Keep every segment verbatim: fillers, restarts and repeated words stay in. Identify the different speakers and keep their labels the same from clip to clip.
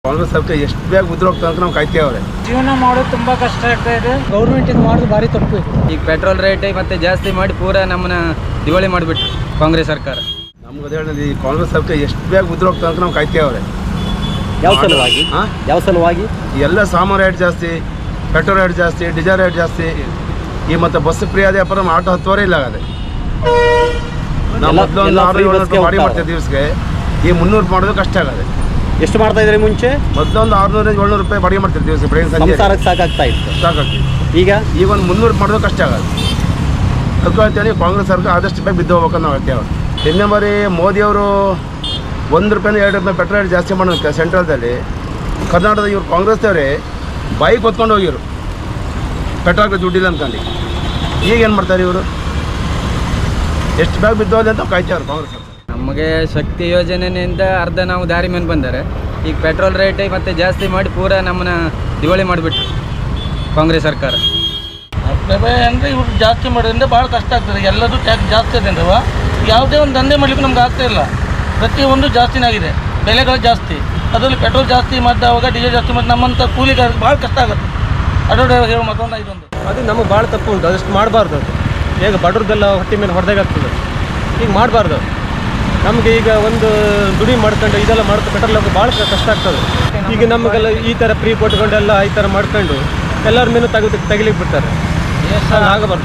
Speaker 1: ಕಾಂಗ್ರೆಸ್ ಸರ್ಕಾರ ಎಷ್ಟು ಬೇಗ ಉದ್ರೋಗ್ತದೆ ಅಂತ ನಾವು ಕಾಯ್ತೇವ್ರೆ.
Speaker 2: ಜೀವನ ಮಾಡೋದು ತುಂಬಾ ಕಷ್ಟ ಆಗ್ತಾ ಇದೆ. ಗೌರ್ಮೆಂಟ್ ಇದು ಮಾಡೋದು ಭಾರಿ ತಪ್ಪು ಇದೆ.
Speaker 3: ಈಗ ಪೆಟ್ರೋಲ್ ರೇಟ್ ಮತ್ತೆ ಜಾಸ್ತಿ ಮಾಡಿ ಪೂರಾ ನಮ್ಮನ್ನ ದಿವಾಳಿ ಮಾಡಿಬಿಟ್ರು ಕಾಂಗ್ರೆಸ್ ಸರ್ಕಾರ.
Speaker 1: ನಮ್ಗೆ ಹೇಳಿ ಈ ಕಾಂಗ್ರೆಸ್ ಸರ್ಕಾರ ಎಷ್ಟು ಬೇಗ ಉದ್ರೋಗ್ತದೆ ಅಂತ ನಾವು ಕಾಯ್ತೇವ್ರೆ.
Speaker 4: ಯಾವ ಸಲುವಾಗಿ ಯಾವ ಸಲುವಾಗಿ
Speaker 1: ಎಲ್ಲ ಸಾಮಾನು ರೇಟ್ ಜಾಸ್ತಿ, ಪೆಟ್ರೋಲ್ ರೇಟ್ ಜಾಸ್ತಿ, ಡೀಸೆಲ್ ರೇಟ್ ಜಾಸ್ತಿ. ಈ ಮತ್ತೆ ಬಸ್ ಫ್ರೀ ಅದೇ ಅಪ್ಪ ನಮ್ಮ ಆಟೋ ಹತ್ತುವರೆ ಇಲ್ಲ ಆಗದೆ. ನಾವು ಮೊದಲು ಒಂದು ಆರು ಏಳು ರೂಪಾಯಿ ಬಾಡಿ ಮಾಡ್ತೀವಿ ದಿವಸಕ್ಕೆ, ಈ ಮುನ್ನೂರು ಮಾಡೋದು ಕಷ್ಟ ಆಗದೆ.
Speaker 4: ಎಷ್ಟು ಮಾಡ್ತಾ ಇದ್ರಿ ಮುಂಚೆ?
Speaker 1: ಮೊದಲೊಂದು ಆರುನೂರ ಏಳ್ನೂರು ರೂಪಾಯಿ ಬಾಡಿಗೆ ಮಾಡ್ತೀವಿ ದಿವಸ ಬೆಳಗ್ಗೆ ಸಂಜೆ
Speaker 4: ಸಂಸಾರಕ್ಕೆ ಸಾಕಾಗ್ತಾ ಇತ್ತು.
Speaker 1: ಸಾಕಾಗ್ತೀವಿ.
Speaker 4: ಈಗ
Speaker 1: ಈಗ ಒಂದು ಮುನ್ನೂರು ಮಾಡೋದು ಕಷ್ಟ ಆಗದೆ. ಅದಕ್ಕೆ ಹೇಳ್ತೇನೆ ಕಾಂಗ್ರೆಸ್ ಸರ್ಕಾರ ಆದಷ್ಟು ಬೇಗ ಬಿದ್ದು ಹೋಗ್ಬೇಕಂತ ನಾವು ಹೇಳ್ತೇವೆ. ಇನ್ನೇ ಮರಿ ಮೋದಿಯವರು ಒಂದು ರೂಪಾಯಿಂದ ಎರಡು ರೂಪಾಯಿ ಪೆಟ್ರೋಲ್ ರೇಟ್ ಜಾಸ್ತಿ ಮಾಡೋದಕ್ಕೆ ಸೆಂಟ್ರಲ್ದಲ್ಲಿ ಕರ್ನಾಟಕದ ಇವ್ರು ಕಾಂಗ್ರೆಸ್ದವರೇ ಬೈಕ್ ಹೊತ್ಕೊಂಡು ಹೋಗಿರು ಪೆಟ್ರೋಲ್ಗೆ ದುಡ್ಡಿಲ್ಲ ಅಂದ್ಕೊಂಡು. ಈಗ ಏನು ಮಾಡ್ತಾರೆ ಇವರು? ಎಷ್ಟು ಬೇಗ ಬಿದ್ದೋದೆ ಅಂತ ಕಾಯ್ತೇವ್ರು ಕಾಂಗ್ರೆಸ್.
Speaker 3: ನಮಗೆ ಶಕ್ತಿ ಯೋಜನೆಯಿಂದ ಅರ್ಧ ನಾವು ದಾರಿ ಮೇಲೆ ಬಂದರೆ ಈಗ ಪೆಟ್ರೋಲ್ ರೇಟ್ ಮತ್ತೆ ಜಾಸ್ತಿ ಮಾಡಿ ಪೂರಾ ನಮ್ಮನ್ನ ದಿವಾಳಿ ಮಾಡಿಬಿಟ್ರು ಕಾಂಗ್ರೆಸ್ ಸರ್ಕಾರ.
Speaker 2: ಬೆಲೆ ಅಂದರೆ ಇವ್ರು ಜಾಸ್ತಿ ಮಾಡೋದ್ರಿಂದ ಭಾಳ ಕಷ್ಟ ಆಗ್ತದೆ. ಎಲ್ಲದೂ ಟ್ಯಾಕ್ಸ್ ಜಾಸ್ತಿ ಇದೆ ಅಂದವ ಯಾವುದೇ ಒಂದು ದಂಧೆ ಮಾಡಲಿಕ್ಕೆ ನಮ್ಗೆ ಆಗ್ತಾ ಇಲ್ಲ. ಪ್ರತಿಯೊಂದು ಜಾಸ್ತಿನೇ ಆಗಿದೆ, ಬೆಲೆಗಳು ಜಾಸ್ತಿ, ಅದರಲ್ಲಿ ಪೆಟ್ರೋಲ್ ಜಾಸ್ತಿ ಮತ್ತು ಅವಾಗ ಡೀಸೆಲ್ ಜಾಸ್ತಿ ಮತ್ತು ನಮ್ಮಂಥ ಕೂಲಿಗಾರರಿಗೆ ಭಾಳ ಕಷ್ಟ ಆಗುತ್ತೆ. ಅಡ್ಡೋಡ ಹೇಳೋ ಮತ್ತೊಂದು ಇದೊಂದು
Speaker 5: ಅದು ನಮಗೆ ಭಾಳ ತಪ್ಪು ಉಂಟು. ಅದಷ್ಟು ಮಾಡಬಾರ್ದು. ಅದು ಈಗ ಬಡವ್ರದ್ದೆಲ್ಲ ಹೊಟ್ಟೆ ಮೇಲೆ ಹೊಡೆದಾಗ್ತದೆ. ಈಗ ಮಾಡಬಾರ್ದು. ನಮಗೆ ಈಗ ಒಂದು ದುಡಿ ಮಾಡ್ಕೊಂಡು ಇದೆಲ್ಲ ಮಾಡ್ಕೊಂಡು ಪೆಟ್ರೋಲ್ ಹೋಗಿ ಭಾಳ ಕಷ್ಟ ಆಗ್ತದೆ. ಈಗ ನಮಗೆಲ್ಲ ಈ ಥರ ಫ್ರೀ ಕೊಟ್ಕೊಂಡೆಲ್ಲ ಈ ಥರ ಮಾಡ್ಕೊಂಡು ಎಲ್ಲರ ಮೇಲೂ ತೆಗೆದು ತೆಗಿಲಿಕ್ಕೆ ಬಿಡ್ತಾರೆ. ಆಗಬಾರ್ದು.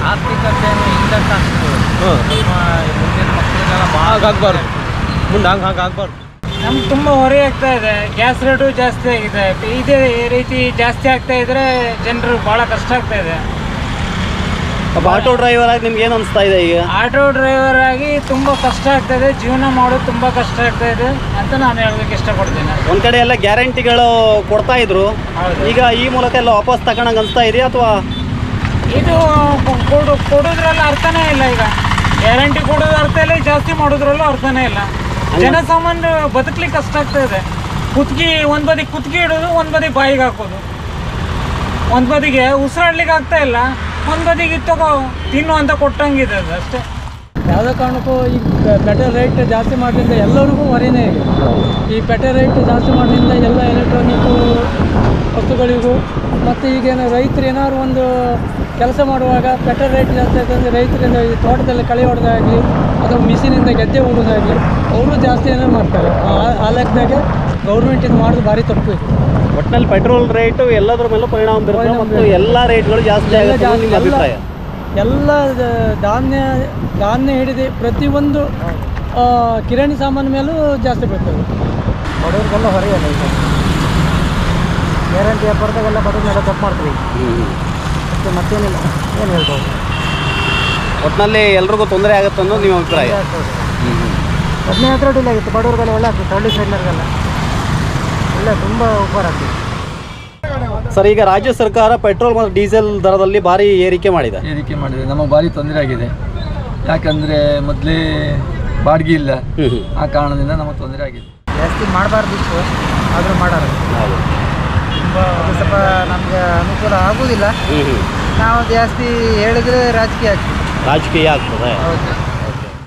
Speaker 5: ಹಾಂ ಹಾಗಾಗಬಾರ್ದು. ಮುಂದೆ ಹಂಗೆ ಹಾಗೆ ಆಗಬಾರ್ದು.
Speaker 2: ನಮ್ಗೆ ತುಂಬ ಹೊರೆ ಆಗ್ತಾ ಇದೆ. ಗ್ಯಾಸ್ ರೇಟು ಜಾಸ್ತಿ ಆಗಿದೆ. ಇದೇ ರೀತಿ ಜಾಸ್ತಿ ಆಗ್ತಾ ಇದ್ರೆ ಜನರು ಭಾಳ ಕಷ್ಟ ಆಗ್ತಾ ಇದೆ.
Speaker 4: ಒಬ್ಬ ಆಟೋ ಡ್ರೈವರ್ ಆಗಿ ನಿಮ್ಗೆ ಏನು ಅನಿಸ್ತಾ ಇದೆ? ಈಗ
Speaker 2: ಆಟೋ ಡ್ರೈವರ್ ಆಗಿ ತುಂಬ ಕಷ್ಟ ಆಗ್ತಾ ಇದೆ. ಜೀವನ ಮಾಡೋದು ತುಂಬ ಕಷ್ಟ ಆಗ್ತಾ ಇದೆ ಅಂತ ನಾನು ಹೇಳೋದಕ್ಕೆ ಇಷ್ಟಪಡ್ತೀನಿ.
Speaker 4: ಒಂದು ಕಡೆ ಎಲ್ಲ ಗ್ಯಾರಂಟಿಗಳು ಕೊಡ್ತಾ ಇದ್ರು, ಈಗ ಈ ಮೂಲಕ ಎಲ್ಲ ವಾಪಸ್ ತಗೊಳಂಗೆ ಅನಿಸ್ತಾ ಇದೆಯಾ? ಅಥವಾ
Speaker 2: ಇದು ಕೊಡು ಕೊಡೋದ್ರಲ್ಲ ಅರ್ಥನೇ ಇಲ್ಲ. ಈಗ ಗ್ಯಾರಂಟಿ ಕೊಡೋದು ಅರ್ಥ ಇಲ್ಲ, ಜಾಸ್ತಿ ಮಾಡೋದ್ರಲ್ಲೂ ಅರ್ಥನೇ ಇಲ್ಲ. ಜನಸಾಮಾನ್ಯ ಬದುಕಲಿಕ್ಕೆ ಕಷ್ಟ ಆಗ್ತಾ ಇದೆ. ಕುತ್ತಿಗೆ ಒಂದು ಬದಿ ಕುತ್ತಿಗೆ ಇಡೋದು, ಒಂದು ಬದಿ ಬಾಯಿಗೆ ಹಾಕೋದು, ಒಂದು ಬದಿಗೆ ಉಸಿರಾಡ್ಲಿಕ್ಕೆ ಆಗ್ತಾ ಇಲ್ಲ, ಒಂದು ಬದಿಗೆ ತಗೋ ತಿನ್ನು ಅಂತ ಕೊಟ್ಟಂಗಿದೆ ಅದು ಅಷ್ಟೇ.
Speaker 6: ಯಾವುದೇ ಕಾರಣಕ್ಕೂ ಈ ಪೆಟ್ರೋಲ್ ರೇಟ್ ಜಾಸ್ತಿ ಮಾಡೋದ್ರಿಂದ ಎಲ್ಲರಿಗೂ ಹೊರೆನೇ ಇದೆ. ಈ ಪೆಟ್ರೋಲ್ ರೇಟ್ ಜಾಸ್ತಿ ಮಾಡೋದ್ರಿಂದ ಎಲ್ಲ ಎಲೆಕ್ಟ್ರಾನಿಕ್ಕು ವಸ್ತುಗಳಿಗೂ ಮತ್ತು ಈಗೇನು ರೈತರು ಏನಾದ್ರು ಒಂದು ಕೆಲಸ ಮಾಡುವಾಗ ಪೆಟ್ರೋಲ್ ರೇಟ್ ಜಾಸ್ತಿ ಆಯ್ತಂದರೆ ರೈತರಿಂದ ಈ ತೋಟದಲ್ಲಿ ಕಳೆ ಹೊಡೆದಾಗಲಿ ಅಥವಾ ಮಿಷಿನಿಂದ ಗೆದ್ದೆ ಹೊಡೋದಾಗಲಿ ಅವರು ಜಾಸ್ತಿ ಏನೋ ಮಾಡ್ತಾರೆ. ಆ ಲೆಕ್ಕದಾಗೆ ಗೌರ್ಮೆಂಟ್ ಇದು ಮಾಡೋದು ಭಾರಿ ತಪ್ಪು ಇದೆ.
Speaker 4: ಒಟ್ಟಿನಲ್ಲಿ ಪೆಟ್ರೋಲ್ ರೇಟು ಎಲ್ಲದರ ಮೇಲೂ ಪರಿಣಾಮ ಬೀರುತ್ತೆ ಮತ್ತು ಎಲ್ಲ ರೇಟ್ಗಳು ಜಾಸ್ತಿ ಆಗುತ್ತೆ ನಿಮ್ಮ ಅಭಿಪ್ರಾಯ?
Speaker 6: ಎಲ್ಲ ಧಾನ್ಯ ಧಾನ್ಯ ಹಿಡಿದು ಪ್ರತಿಯೊಂದು ಕಿರಾಣಿ ಸಾಮಾನು ಮೇಲೂ ಜಾಸ್ತಿ ಬೀಳ್ತದೆ.
Speaker 2: ಬಡವ್ರಿಗೆಲ್ಲ ಹೊರೆಯಲ್ಲ. ಈಗ ಗ್ಯಾರಂಟಿ ವ್ಯಾಪಾರದಾಗೆಲ್ಲ ಬಡವ್ರನ್ನೆಲ್ಲ ತಪ್ಪು ಮಾಡ್ತೀವಿ. ಮತ್ತು ಮತ್ತೇನಿಲ್ಲ, ಏನು ಹೇಳ್ಬೋದು.
Speaker 4: ಒಟ್ಟಿನಲ್ಲಿ ಎಲ್ರಿಗೂ ತೊಂದರೆ ಆಗುತ್ತೆ ಅನ್ನೋದು ನಿಮ್ಮ ಅಭಿಪ್ರಾಯ?
Speaker 2: ಹದಿನೈದು ಹತ್ರ ಡಿಲ್ ಆಗಿತ್ತು. ಬಡವ್ರಿಗೆಲ್ಲ ಒಳ್ಳೆ ಆಗ್ತದೆ. ಹಳ್ಳಿ ಸೈಡ್ನವ್ರಿಗೆಲ್ಲ ಒಳ್ಳೆ ತುಂಬ ಉಪಕಾರ ಆಗ್ತದೆ.
Speaker 4: ಸರ್, ಈಗ ರಾಜ್ಯ ಸರ್ಕಾರ ಪೆಟ್ರೋಲ್ ಮತ್ತು ಡೀಸೆಲ್ ದರದಲ್ಲಿ ಭಾರಿ ಏರಿಕೆ ಮಾಡಿದೆ
Speaker 7: ಏರಿಕೆ ಮಾಡಿದೆ ನಮಗೆ ಭಾರಿ ತೊಂದರೆ ಆಗಿದೆ. ಯಾಕಂದರೆ ಮೊದಲೇ ಬಾಡಿಗೆ ಇಲ್ಲ, ಆ ಕಾರಣದಿಂದ ನಮಗೆ ತೊಂದರೆ ಆಗಿದೆ.
Speaker 2: ಜಾಸ್ತಿ ಮಾಡಬಾರ್ದಿತ್ತು, ಆದರೂ ಮಾಡೋರು ತುಂಬ ಸ್ವಲ್ಪ ನಮಗೆ ಅನುಕೂಲ ಆಗೋದಿಲ್ಲ. ನಾವು ಜಾಸ್ತಿ ಹೇಳಿದರೆ ರಾಜಕೀಯ ಆಗ್ತದೆ.
Speaker 4: ರಾಜಕೀಯ ಆಗ್ತದೆ.
Speaker 2: ಹೌದು.